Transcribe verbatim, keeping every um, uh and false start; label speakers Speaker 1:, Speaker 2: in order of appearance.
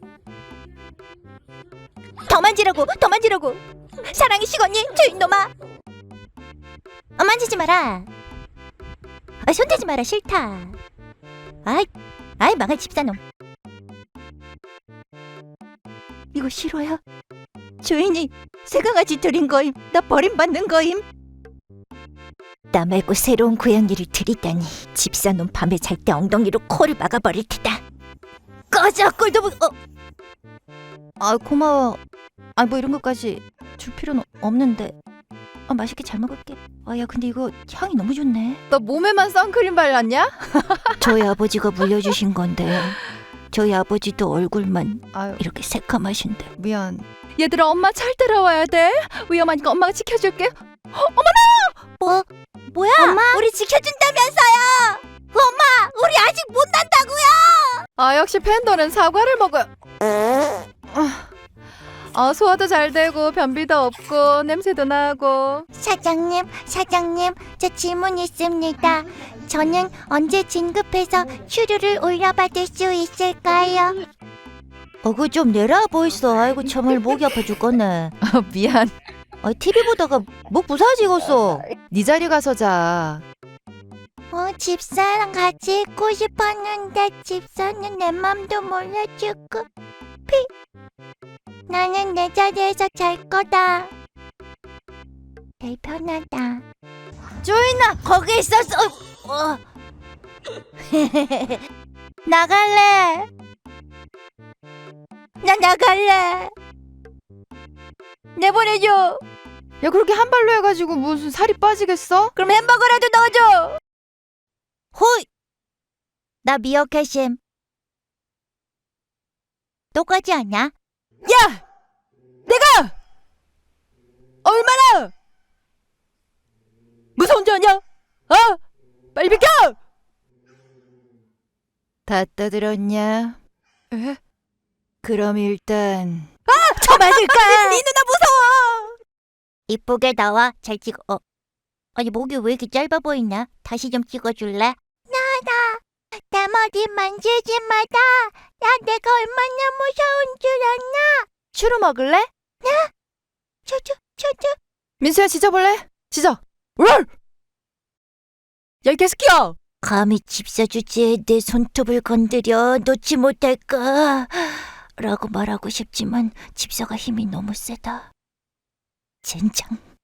Speaker 1: 더 만지라고, 더 만지라고. 사랑이 식었니, 주인놈아? 어, 만지지 마라. 아, 손대지 마라, 싫다. 아이, 아이 망할 집사놈. 이거 싫어요? 주인이 새강아지 들인 거임. 나 버림받는 거임. 나 말고 새로운 고양이를 들이다니. 집사놈 밤에 잘 때 엉덩이로 코를 막아버릴 테다. 꺼져, 꼴도 못... 어. 아, 고마워. 아, 뭐 이런 것까지 줄 필요는 없는데. 아, 맛있게 잘 먹을게. 아, 야, 근데 이거 향이 너무 좋네.
Speaker 2: 너 몸에만 선크림 발랐냐?
Speaker 1: 저희 아버지가 물려주신 건데 저희 아버지도 얼굴만
Speaker 2: 아유,
Speaker 1: 이렇게 새까마신데.
Speaker 2: 미안. 얘들아, 엄마 잘 따라와야 돼. 위험하니까 엄마가 지켜줄게.
Speaker 1: 뭐? 뭐야? 엄마? 우리 지켜준다면서요. 엄마, 우리 아직 못 난다고요.
Speaker 2: 아, 역시 팬더는 사과를 먹어요. 아, 아, 소화도 잘 되고 변비도 없고 냄새도 나고.
Speaker 1: 사장님, 사장님, 저 질문 있습니다. 저는 언제 진급해서 추류를 올려받을 수 있을까요? 어, 그거 좀 내라 보이소. 아이고, 정말 목이 아파 죽겠네.
Speaker 2: 아, 미안.
Speaker 1: 아, 티비 보다가 목 부사지겠어.
Speaker 2: 네 자리 가서 자.
Speaker 1: 어, 집사랑 같이 있고 싶었는데 집사는 내 맘도 몰라주고. 피. 나는 내 자리에서 잘 거다. 제일 편하다. 조인아, 거기 있었어. 어. 나갈래. 나 나갈래. 내보내줘.
Speaker 2: 야, 그렇게 한 발로 해가지고 무슨 살이 빠지겠어?
Speaker 1: 그럼 햄버거라도 넣어줘. 호이. 나 미어캣임. 똑같지 않냐?
Speaker 2: 야! 내가! 얼마나! 무서운 줄 아냐? 어? 빨리 비켜!
Speaker 1: 다 떠들었냐?
Speaker 2: 에?
Speaker 1: 그럼 일단
Speaker 2: 아!
Speaker 1: 저 맞을까?
Speaker 2: 네 누나 무서워!
Speaker 1: 이쁘게 나와. 잘 찍어. 어. 아니, 목이 왜 이렇게 짧아 보이냐? 다시 좀 찍어줄래? 나나 내 머리 만지지 마라. 야, 내가 얼마나 무서운 줄 아냐?
Speaker 2: 추루 먹을래?
Speaker 1: 초초 초초.
Speaker 2: 민수야, 짖어볼래? 짖어. 롤! 야, 이 개새끼야!
Speaker 1: 감히 집사 주제에 내 손톱을 건드려 놓지 못할까? 라고 말하고 싶지만 집사가 힘이 너무 세다. 젠장.